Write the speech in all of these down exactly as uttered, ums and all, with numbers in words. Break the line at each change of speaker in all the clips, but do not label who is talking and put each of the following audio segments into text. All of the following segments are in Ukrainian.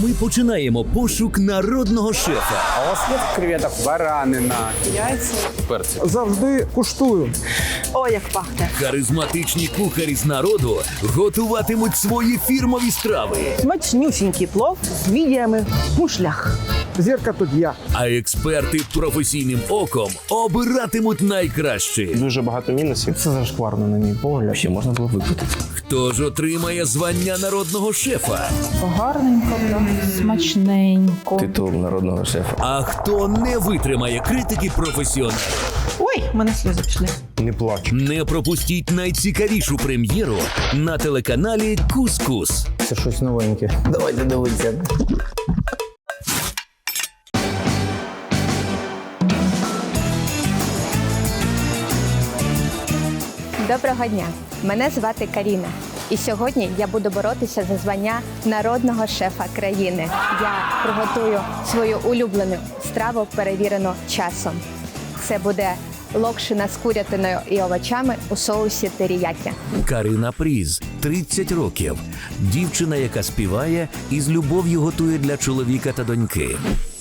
Ми починаємо пошук народного шефа.
А у вас є креветок, баранина,
Яйця.
перці?
Завжди куштую.
О, як пахне.
Харизматичні кухарі з народу готуватимуть свої фірмові страви.
Смачнюсінький плов з мідіями в мушлях.
Зірка тут я.
А експерти професійним оком обиратимуть найкраще.
Дуже багато мінусів.
Це зашкварно, на мій погляд.
Ще можна було випити.
Хто ж отримає звання народного шефа?
Гарненько, смачненько.
Титул народного шефа.
А хто не витримає критики професіоналів?
Ой, в мене сльози пішли.
Не плач.
Не пропустіть найцікавішу прем'єру на телеканалі Кус-Кус.
Це щось новеньке. Давайте дивитися.
Доброго дня! Мене звати Каріна. І сьогодні я буду боротися за звання народного шефа країни. Я приготую свою улюблену страву, перевірену часом. Це буде локшина з курятиною і овочами у соусі теріякі.
Карина Пріз, тридцять років. Дівчина, яка співає і з любов'ю готує для чоловіка та доньки.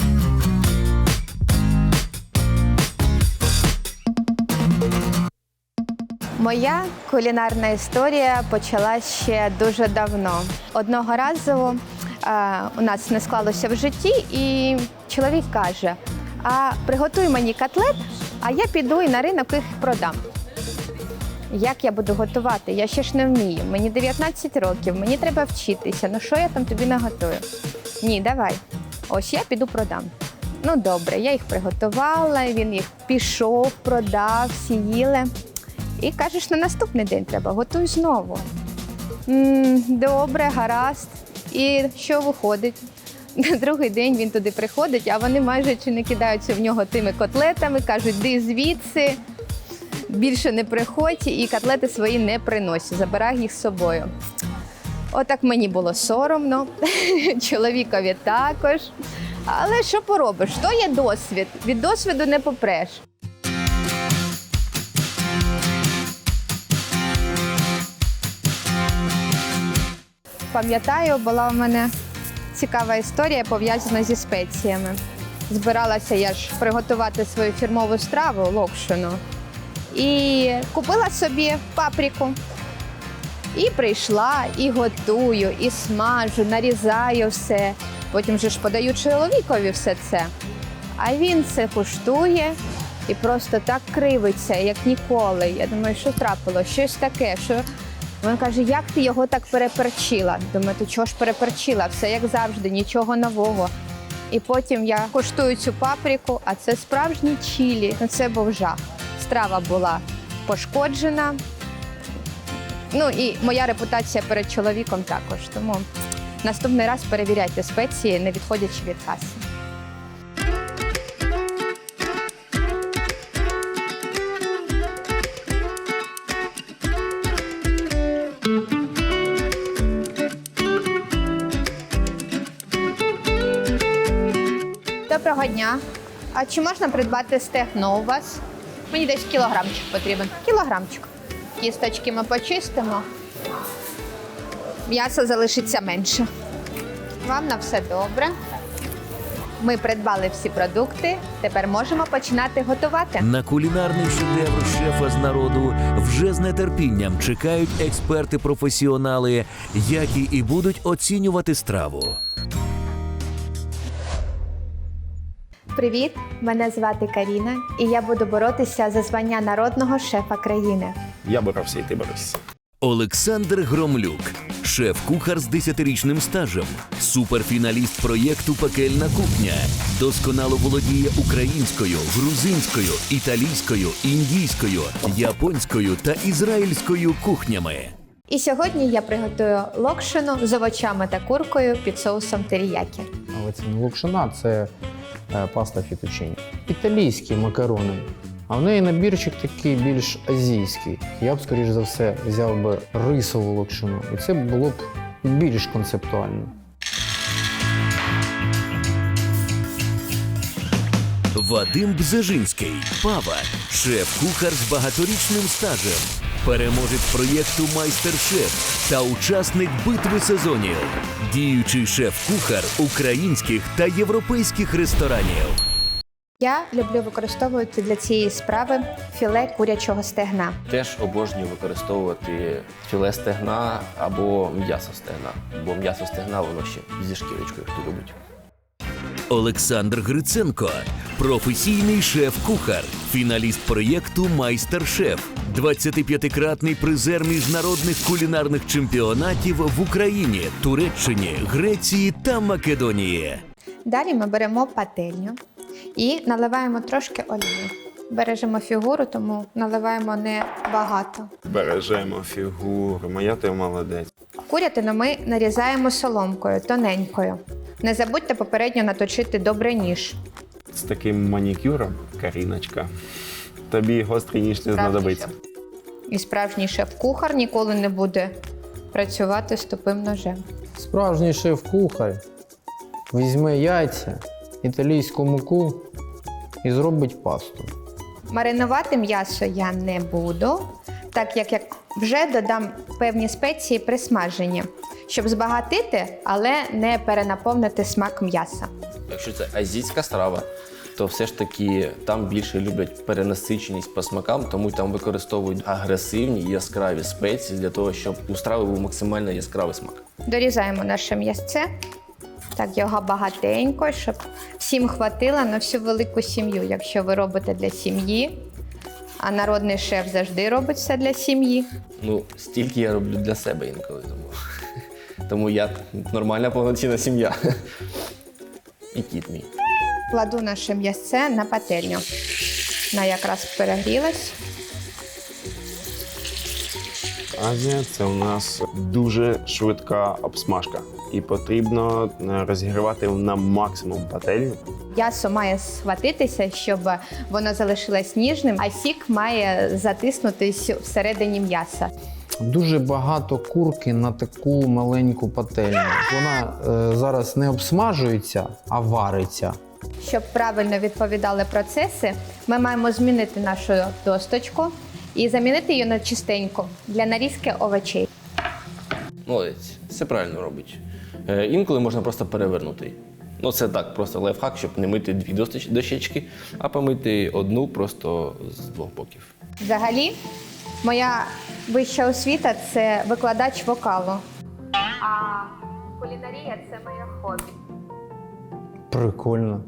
Моя кулінарна історія почалась ще дуже давно. Одного разу е, у нас не склалося в житті, і чоловік каже: а приготуй мені котлет, а я піду і на ринок їх продам. Як я буду готувати? Я ще ж не вмію. Мені дев'ятнадцять років, мені треба вчитися. Ну що я там тобі наготую? Ні, давай. Ось я піду продам. Ну добре, я їх приготувала, він їх пішов, продав, всі їли. І кажеш, на наступний день треба, готуй знову. М, добре, гаразд. І що виходить? На другий день він туди приходить, а вони майже чи не кидаються в нього тими котлетами, кажуть, йди звідси, більше не приходь, і котлети свої не приносять, забирай їх з собою. Отак мені було соромно, чоловікові також. Але що поробиш, то є досвід, від досвіду не попреш. Пам'ятаю, була в мене цікава історія, пов'язана зі спеціями. Збиралася я ж приготувати свою фірмову страву, локшину, і купила собі паприку. І прийшла, і готую, і смажу, нарізаю все. Потім же ж подаю чоловікові все це. А він це куштує і просто так кривиться, як ніколи. Я думаю, що трапило, щось таке, що... Він каже, як ти його так переперчила? Думаю, то чого ж переперчила? Все як завжди, нічого нового. І потім я коштую цю паприку, а це справжній чилі. Ну, це був жах. Страва була пошкоджена. Ну і моя репутація перед чоловіком також. Тому наступний раз перевіряйте спеції, не відходячи від каси. Доброго дня. А чи можна придбати стегно у вас? Мені десь кілограмчик потрібен. Кілограмчик. Кісточки ми почистимо. М'ясо залишиться менше. Вам на все добре. Ми придбали всі продукти. Тепер можемо починати готувати.
На кулінарний шедевр шефа з народу вже з нетерпінням чекають експерти-професіонали, які і будуть оцінювати страву.
Привіт, мене звати Каріна, і я буду боротися за звання народного шефа країни.
Я боровся, і ти боровся.
Олександр Громлюк, шеф-кухар з десятирічним стажем, суперфіналіст проєкту «Пекельна кухня». Досконало володіє українською, грузинською, італійською, індійською, японською та ізраїльською кухнями.
І сьогодні я приготую локшину з овочами та куркою під соусом теріякі.
Але це не локшина, це е, паста фітучині. Італійські макарони. А в неї набірчик такий більш азійський. Я б, скоріш за все, взяв би рисову локшину. І це було б більш концептуально.
Вадим Бзежинський, Пава, шеф-кухар з багаторічним стажем. переможець проєкту «Майстер-шеф» та учасник битви сезонів, діючий шеф-кухар українських та європейських ресторанів.
Я люблю використовувати для цієї справи філе курячого стегна.
Теж обожнюю використовувати філе стегна або м'ясо стегна. Бо м'ясо стегна воно ще зі шкірочкою, хто любить.
Олександр Гриценко – професійний шеф-кухар, фіналіст проєкту «Майстер-шеф», двадцятип'ятикратний призер міжнародних кулінарних чемпіонатів в Україні, Туреччині, Греції та Македонії.
Далі ми беремо пательню і наливаємо трошки олії. Бережемо фігуру, тому наливаємо не багато.
Бережемо фігуру, моя ти молодець.
Курятину ми нарізаємо соломкою, тоненькою. Не забудьте попередньо наточити добре ніж.
З таким манікюром, Каріночка, тобі гострий ніж не знадобиться.
І справжній шеф-кухар ніколи не буде працювати з тупим ножем.
Справжній шеф-кухар візьме яйця, італійську муку і зробить пасту.
Маринувати м'ясо я не буду, так як я вже додам певні спеції при смаженні, щоб збагатити, але не перенаповнити смак м'яса.
Якщо це азійська страва, то все ж таки там більше люблять перенасиченість по смакам, тому там використовують агресивні яскраві спеції для того, щоб у страви був максимально яскравий смак.
Дорізаємо наше м'ясце, так його багатенько, щоб всім хватило на всю велику сім'ю. Якщо ви робите для сім'ї, а народний шеф завжди робить все для сім'ї.
Ну, стільки я роблю для себе інколи, тому, тому я нормальна повноцінна сім'я. І кіт мій.
Кладу наше м'ясце на пательню. Вона якраз перегрілась.
Азія – це у нас дуже швидка обсмажка. І потрібно розігрівати на максимум пательню.
М'ясо має схватитися, щоб воно залишилось ніжним, а сік має затиснутись всередині м'яса.
Дуже багато курки на таку маленьку пательню. Вона е, зараз не обсмажується, а вариться.
Щоб правильно відповідали процеси, ми маємо змінити нашу досточку і замінити її на чистеньку для нарізки овочей.
Молодець, все правильно робить. Е, інколи можна просто перевернути її. Ну, це так, просто лайфхак, щоб не мити дві досточ- дощечки, а помити одну просто з двох боків.
Взагалі, моя вища освіта – це викладач вокалу. А кулінарія – це моє хобі.
Прикольно.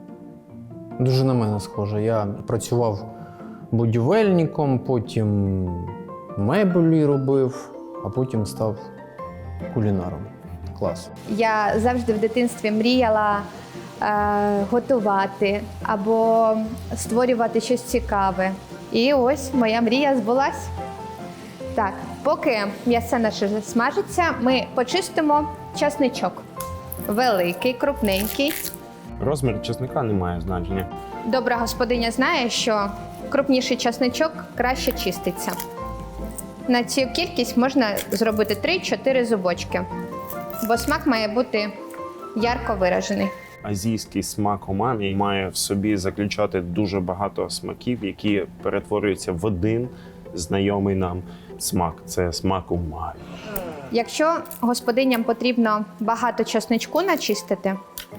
Дуже на мене схоже. Я працював будівельником, потім меблі робив, а потім став кулінаром. Клас.
Я завжди в дитинстві мріяла е, готувати або створювати щось цікаве. І ось моя мрія збулась. Так, поки м'ясо наше смажиться, ми почистимо часничок. Великий, крупненький.
Розмір чесника не має значення.
Добра господиня знає, що крупніший часничок краще чиститься. На цю кількість можна зробити три-чотири зубочки, бо смак має бути ярко виражений.
Азійський смак умамі має в собі заключати дуже багато смаків, які перетворюються в один знайомий нам смак. Це смак умамі.
Якщо господиням потрібно багато часничку начистити,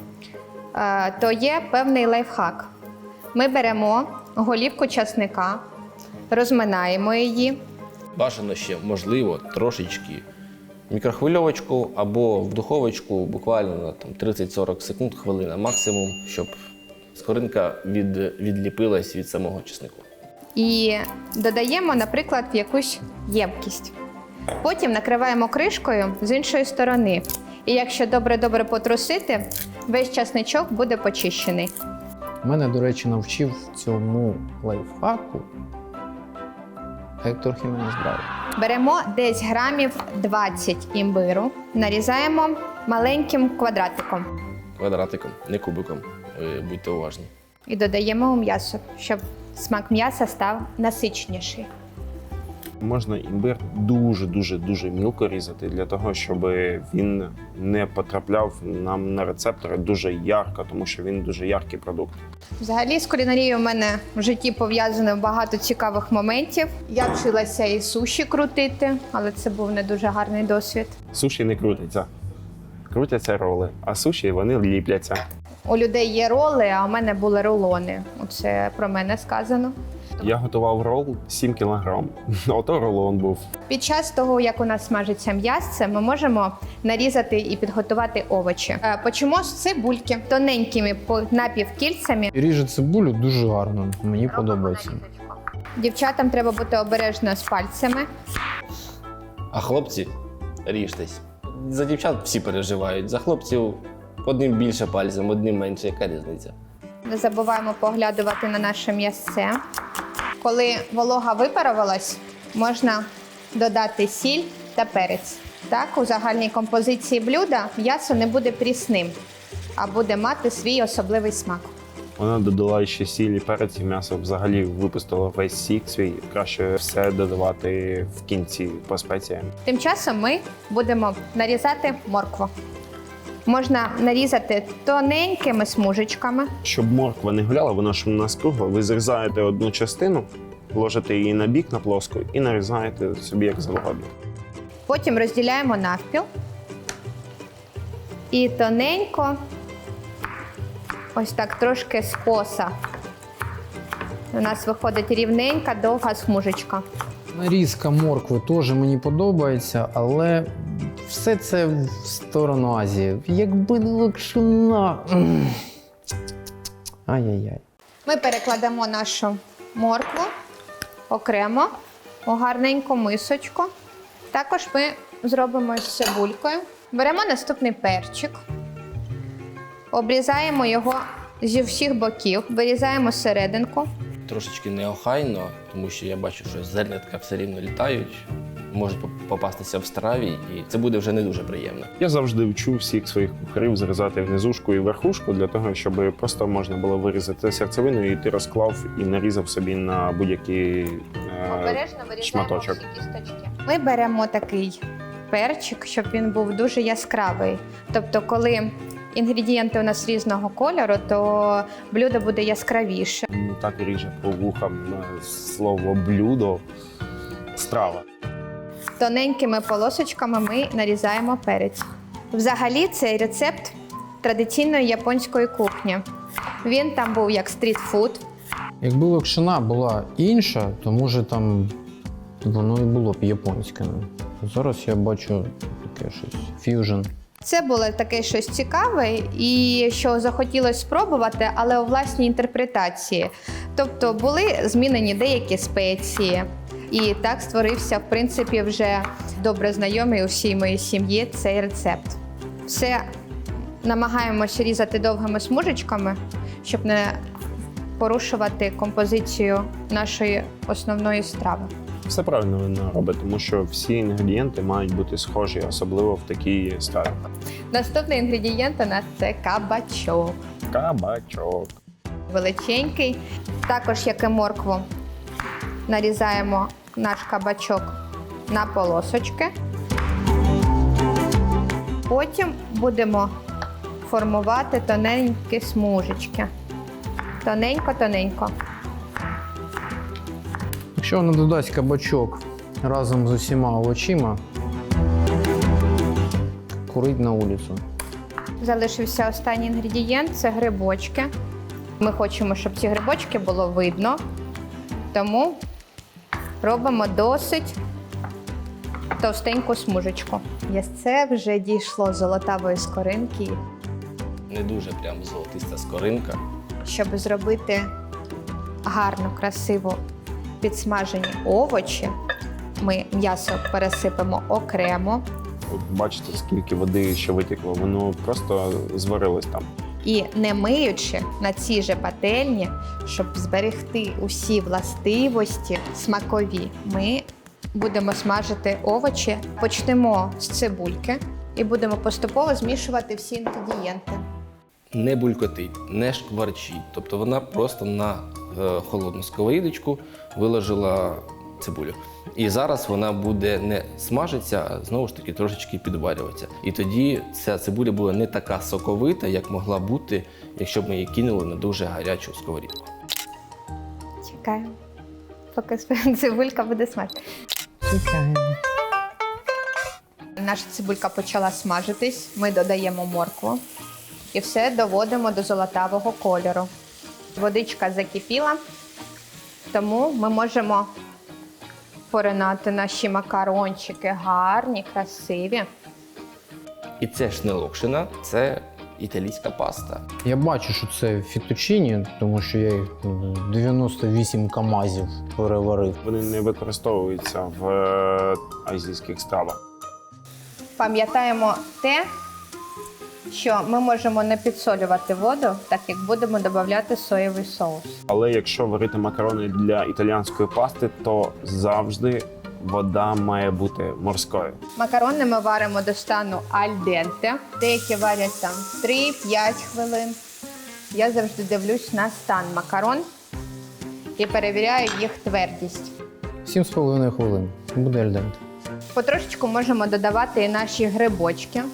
е, то є певний лайфхак. Ми беремо голівку часника, розминаємо її.
Бажано ще, можливо, трошечки в мікрохвильовочку або в духовочку буквально на там, тридцять-сорок секунд, хвилина максимум, щоб скоринка від, відліпилась від самого чеснику.
І додаємо, наприклад, в якусь ємкість. Потім накриваємо кришкою з іншої сторони. І якщо добре-добре потрусити, весь часничок буде почищений.
Мене, до речі, навчив цьому лайфхаку Гектор Хіменес Браво.
Беремо десь грамів двадцять імбиру, нарізаємо маленьким квадратиком
Квадратиком, не кубиком. Ви будьте уважні.
і додаємо у м'ясо, щоб смак м'яса став насичніший.
Можна імбир дуже-дуже-дуже мілко різати для того, щоб він не потрапляв нам на рецептори дуже ярко, тому що він дуже яркий продукт.
Взагалі з кулінарією у мене в житті пов'язано багато цікавих моментів. Я вчилася і суші крутити, але це був не дуже гарний досвід.
Суші не крутиться. Крутяться роли, а суші вони ліпляться.
У людей є роли, а у мене були рулони. Оце про мене сказано.
Я готував рол сім кілограм. Ото рулон був.
Під час того, як у нас смажиться м'ясце, ми можемо нарізати і підготувати овочі. Е, Почнемо з цибульки тоненькими по- напівкільцями.
І ріже цибулю дуже гарно, мені подобається.
Дівчатам треба бути обережно з пальцями.
А хлопці, ріжтесь. За дівчат всі переживають. За хлопців одним більше пальцем, одним менше. Яка різниця?
Не забуваємо поглядувати на наше м'ясце. Коли волога випарувалась, можна додати сіль та перець. Так, у загальній композиції блюда м'ясо не буде прісним, а буде мати свій особливий смак.
Вона додала ще сіль і перець, і м'ясо взагалі випустило весь сік свій. Краще все додавати в кінці по спеціям.
Тим часом ми будемо нарізати моркву. Можна нарізати тоненькими смужечками.
Щоб морква не гуляла, вона ж у нас кругла. Ви зрізаєте одну частину, ложите її на бік, на плоску і нарізаєте собі як завгодно.
Потім розділяємо навпіл. І тоненько, ось так трошки скоса. У нас виходить рівненька, довга смужечка.
Нарізка моркви теж мені подобається, але все це в сторону Азії. Якби не локшина. М. Ай-яй-яй.
Ми перекладемо нашу моркву окремо у гарненьку мисочку. Також ми зробимо з цибулькою. Беремо наступний перчик, обрізаємо його зі всіх боків, вирізаємо серединку.
Трошечки неохайно, тому що я бачу, що зернятка все рівно літають, можуть попастися в страві, і це буде вже не дуже приємно.
Я завжди вчу всіх своїх кухарів зрізати внизушку і верхушку для того, щоб просто можна було вирізати серцевину, і ти розклав і нарізав собі на будь-який е,
Обережно вирізаємо
шматочок.
всі кісточки. Ми беремо такий перчик, щоб він був дуже яскравий. Тобто, коли інгредієнти у нас різного кольору, то блюдо буде яскравіше.
Ну, так і ріже по вухам е, слово блюдо, страва.
Тоненькими полосочками ми нарізаємо перець. Взагалі, цей рецепт традиційної японської кухні. Він там був як стрітфуд.
Якби локшина була інша, то може там воно і було б японське. Зараз я бачу таке щось ф'южн.
Це було таке щось цікаве і що захотілося спробувати, але у власній інтерпретації. Тобто були змінені деякі спеції. І так створився, в принципі, вже добре знайомий усій моїй сім'ї цей рецепт. Все намагаємося різати довгими смужечками, щоб не порушувати композицію нашої основної страви.
Все правильно вона робить, тому що всі інгредієнти мають бути схожі, особливо в такій страві.
Наступний інгредієнт у нас це кабачок.
Кабачок.
Величенький. Також, як і моркву, нарізаємо наш кабачок на полосочки. Потім будемо формувати тоненькі смужечки. Тоненько-тоненько.
Якщо вона додасть кабачок разом з усіма овочима, курить на вулицю.
Залишився останній інгредієнт – це грибочки. Ми хочемо, щоб ці грибочки було видно, тому робимо досить товстеньку смужечку. Ясце вже дійшло золотавої скоринки.
Не дуже прям золотиста скоринка.
Щоб зробити гарно, красиво підсмажені овочі, ми м'ясо пересипемо окремо
От бачите, скільки води ще витекло, воно просто зварилось там.
і не миючи на цій же пательні, щоб зберегти усі властивості смакові, ми будемо смажити овочі. Почнемо з цибульки і будемо поступово змішувати всі інгредієнти.
Не булькотить, не шкварчить. Тобто вона просто на е, холодну сковорідочку виложила цибулю. І зараз вона буде не смажитися, а знову ж таки трошечки підварюватися. І тоді ця цибуля буде не така соковита, як могла бути, якщо б ми її кинули на дуже гарячу сковорідку.
Чекаємо, поки цибулька буде смажити.
Чекаємо.
Наша цибулька почала смажитись, ми додаємо моркву і все доводимо до золотавого кольору. Водичка закипіла, тому ми можемо поринати наші макарончики гарні, красиві.
І це ж не локшина, це італійська паста.
Я бачу, що це фітучині, тому що я їх ну, дев'яносто вісім камазів переварив.
Вони не використовуються в е, азійських стравах.
Пам'ятаємо те, що ми можемо не підсолювати воду, так як будемо додавати соєвий соус.
Але якщо варити макарони для італійської пасти, то завжди вода має бути морською.
Макарони ми варимо до стану аль денте. Деякі варять там три-п'ять хвилин. Я завжди дивлюсь на стан макарон і перевіряю їх твердість.
Сім з половиною хвилин. Буде альденте.
Потрошечку можемо додавати і наші грибочки.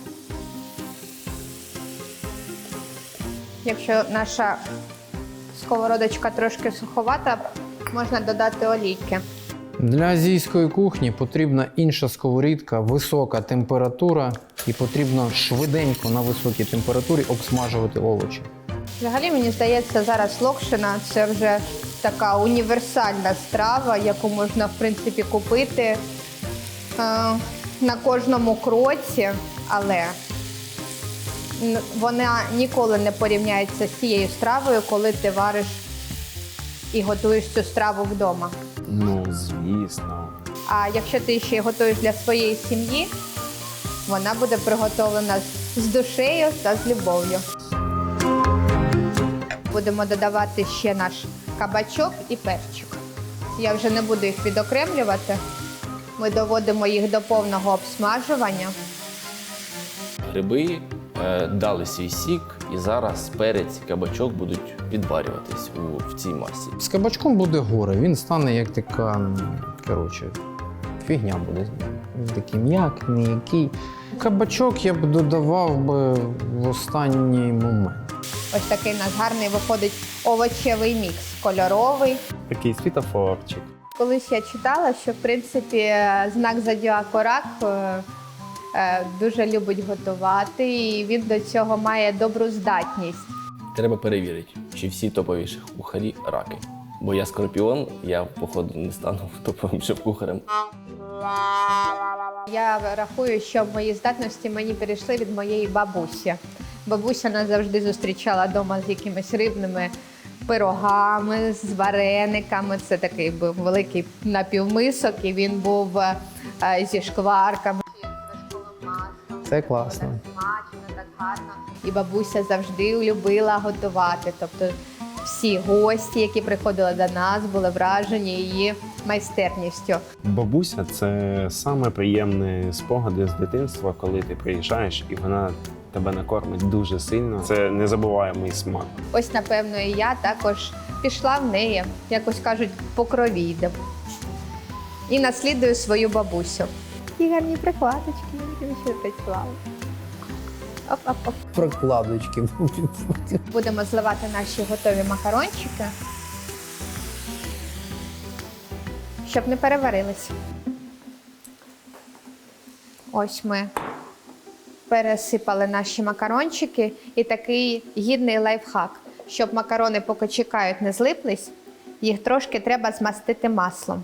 Якщо наша сковородочка трошки суховата, можна додати олійки.
Для азійської кухні потрібна інша сковорідка, висока температура і потрібно швиденько на високій температурі обсмажувати овочі.
Взагалі, мені здається, зараз локшина – це вже така універсальна страва, яку можна, в принципі, купити е, на кожному кроці, але н- вона ніколи не порівняється з тією стравою, коли ти вариш і готуєш цю страву вдома.
Ну, звісно.
А якщо ти ще й готуєш для своєї сім'ї, вона буде приготовлена з душею та з любов'ю. Будемо додавати ще наш кабачок і перчик. Я вже не буду їх відокремлювати. Ми доводимо їх до повного обсмажування.
Гриби е, дали свій сік, і зараз перець і кабачок будуть відварюватись у, в цій масі.
З кабачком буде горе, він стане як така, м, коротше, фігня буде з ним. Він такий м'який, м'який. Кабачок я б додавав би в останній момент.
Ось такий у нас гарний виходить овочевий мікс, кольоровий.
Такий світофорчик.
Колись я читала, що в принципі знак зодіаку Рак е, е, дуже любить готувати, і він до цього має добру здатність.
Треба перевірити, чи всі топові шеф-кухарі раки. Бо я скорпіон, я, походу, не стану топовим шеф-кухарем.
Я рахую, що мої здатності мені перейшли від моєї бабусі. Бабуся нас завжди зустрічала вдома з якимись рибними пирогами, з варениками. Це такий був великий напівмисок, і він був е, зі шкварками.
Це класно.
Смачно, так гарно. І бабуся завжди любила готувати. Тобто всі гості, які приходили до нас, були вражені її майстерністю.
Бабуся – це саме приємні спогади з дитинства, коли ти приїжджаєш і вона тебе накормить дуже сильно. Це незабуваємий смак.
Ось, напевно, і я також пішла в неї, якось кажуть, по крові йде. І наслідую свою бабусю. Такі гарні прикладочки, які ще працювали. Оп-оп-оп.
Прокладочки.
Будемо зливати наші готові макарончики, щоб не переварились. Ось ми пересипали наші макарончики, і такий гідний лайфхак. Щоб макарони, поки чекають, не злиплись, їх трошки треба змастити маслом.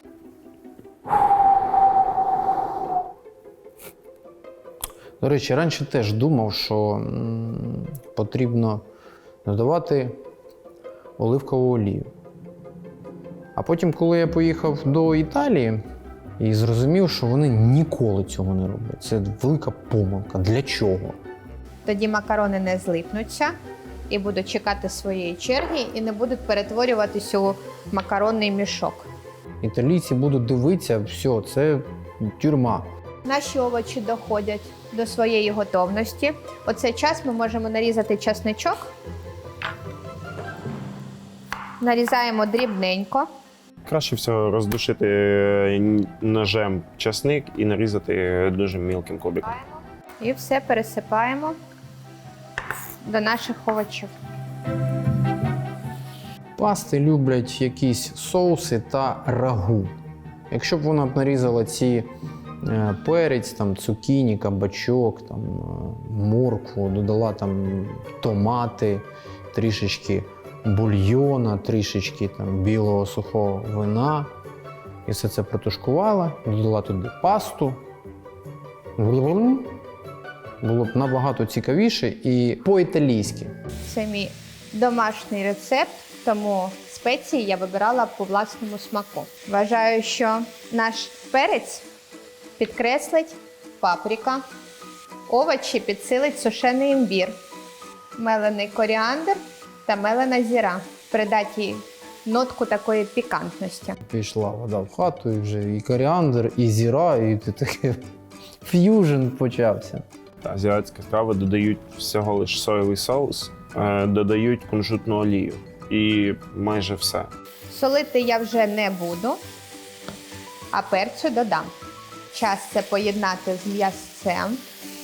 До речі, раніше теж думав, що м, потрібно додавати оливкову олію. А потім, коли я поїхав до Італії і зрозумів, що вони ніколи цього не роблять. Це велика помилка. Для чого?
Тоді макарони не злипнуться і будуть чекати своєї черги, і не будуть перетворюватись у макаронний мішок.
Італійці будуть дивитися, все, це тюрма.
Наші овочі доходять до своєї готовності. У цей час ми можемо нарізати чесничок. Нарізаємо дрібненько.
Краще всього роздушити ножем часник і нарізати дуже мілким кубиком.
І все пересипаємо до наших овочів.
Пасти люблять якісь соуси та рагу. Якщо б вона б нарізала ці е, перець, там, цукіні, кабачок, там, е, моркву, додала там томати, трішечки бульйона, трішечки там, білого сухого вина, і все це протушкувала, додала туди пасту. Було б набагато цікавіше і по-італійськи.
Це мій домашній рецепт, тому спеції я вибирала по власному смаку. Вважаю, що наш перець підкреслить паприка, овочі підсилить сушений імбір, мелений коріандр та мелена зіра. Придать їй нотку такої пікантності.
Пішла вода в хату, і вже і коріандр, і зіра, і таке ф'южн почався.
Азіатські страви додають всього лише соєвий соус, е, додають кунжутну олію. І майже все.
Солити я вже не буду, а перцю додам. Час це поєднати з м'ясцем.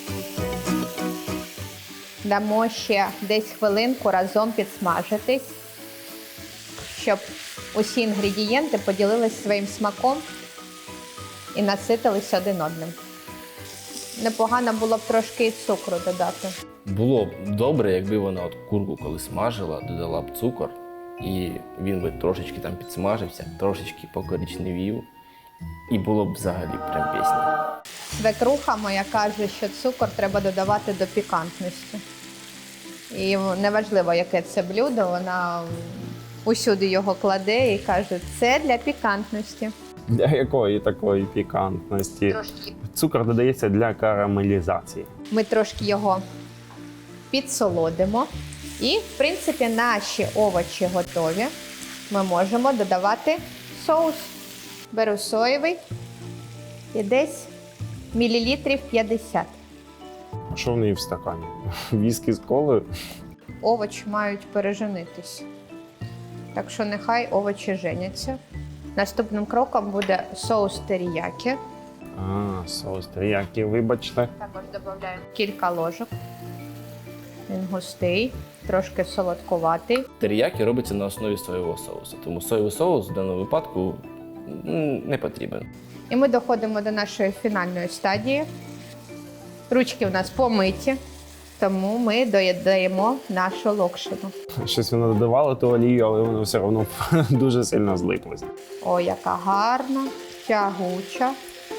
Дамо ще десь хвилинку разом підсмажитись, щоб усі інгредієнти поділились своїм смаком і наситились один одним. Непогано було б трошки і цукру додати.
Було б добре, якби вона от курку, коли смажила, додала б цукор, і він би трошечки там підсмажився, трошечки покоричневів, і було б взагалі прям пісня.
Свекруха моя каже, що цукор треба додавати до пікантності. І неважливо, яке це блюдо, вона усюди його кладе і каже, це для пікантності.
Для якої такої пікантності?
Трошки.
Цукор додається для карамелізації.
Ми трошки його підсолодимо. І, в принципі, наші овочі готові. Ми можемо додавати соус. Беру соєвий і десь мілілітрів п'ятдесят.
А що в неї в стакані? Віскі з колою?
Овочі мають переженитись. Так що нехай овочі женяться. Наступним кроком буде соус теріякі.
А, соус теріякі, вибачте.
Також додаємо кілька ложок. Він густий, трошки солодкуватий.
Теріякі робиться на основі соєвого соусу, тому соєвий соус в даному випадку м, не потрібен.
І ми доходимо до нашої фінальної стадії. Ручки в нас помиті, тому ми доїдаємо нашу локшину.
Щось вона додавала ту олію, але воно все одно дуже сильно злиплося.
О, яка гарна, тягуча.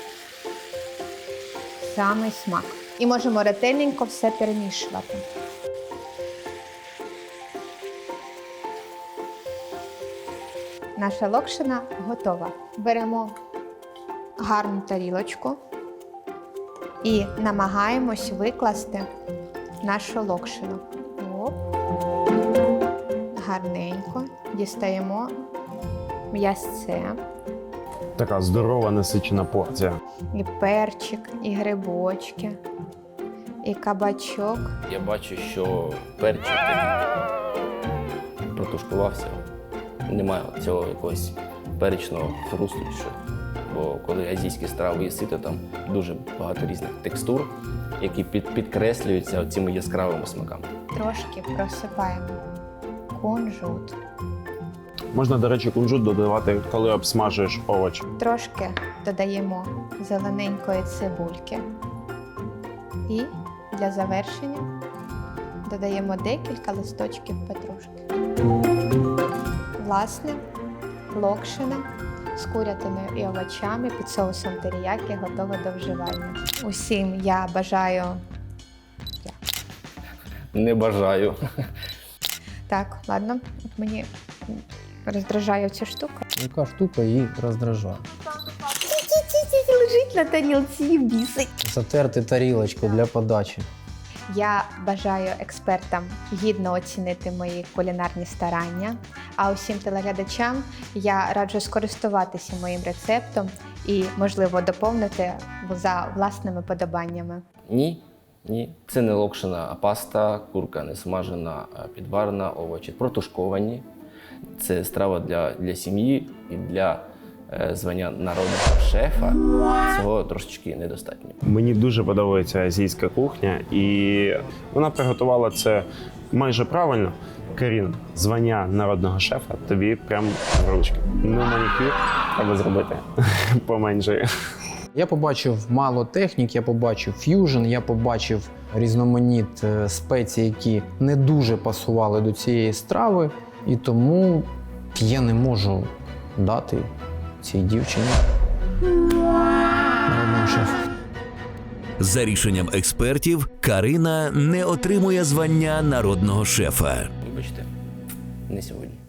Самий смак. І можемо ретельненько все перемішувати. Наша локшина готова. Беремо гарну тарілочку і намагаємось викласти нашу локшину. Оп. Гарненько дістаємо м'ясце.
Така здорова насичена порція.
І перчик, і грибочки, і кабачок.
Я бачу, що перчик такий протушкувався. Немає цього якогось перечного хрусту. чи що. Бо коли азійські страви їсти, то там дуже багато різних текстур, які під, підкреслюються цими яскравими смаками.
Трошки просипаємо кунжут.
Можна, до речі, кунжут додавати, коли обсмажуєш овочі.
Трошки додаємо зелененької цибульки. І для завершення додаємо декілька листочків петрушки. Власне, локшина з курятиною і овочами під соусом теріякі готова до вживання. Усім я бажаю.
Не бажаю.
Так, ладно, от мені роздражає ця штука.
Яка штука її роздражає.
Лежить на тарілці і бісить.
Затерти тарілочку для подачі.
Я бажаю експертам гідно оцінити мої кулінарні старання, а усім телеглядачам я раджу скористуватися моїм рецептом і, можливо, доповнити за власними подобаннями.
Ні, ні. Це не локшина, а паста, курка не смажена, а підварена, овочі протушковані. це страва для, для сім'ї і для е, звання народного шефа. Цього трошечки недостатньо.
Мені дуже подобається азійська кухня, і вона приготувала це майже правильно. Карін, звання народного шефа тобі прям в ручки. Ну, манікюр треба зробити поменше.
Я побачив мало технік, я побачив ф'южн, я побачив різноманіт е, спецій, які не дуже пасували до цієї страви, і тому я не можу дати цій дівчині народного шефа.
За рішенням експертів, Карина не отримує звання народного шефа.
Вибачте, не сьогодні.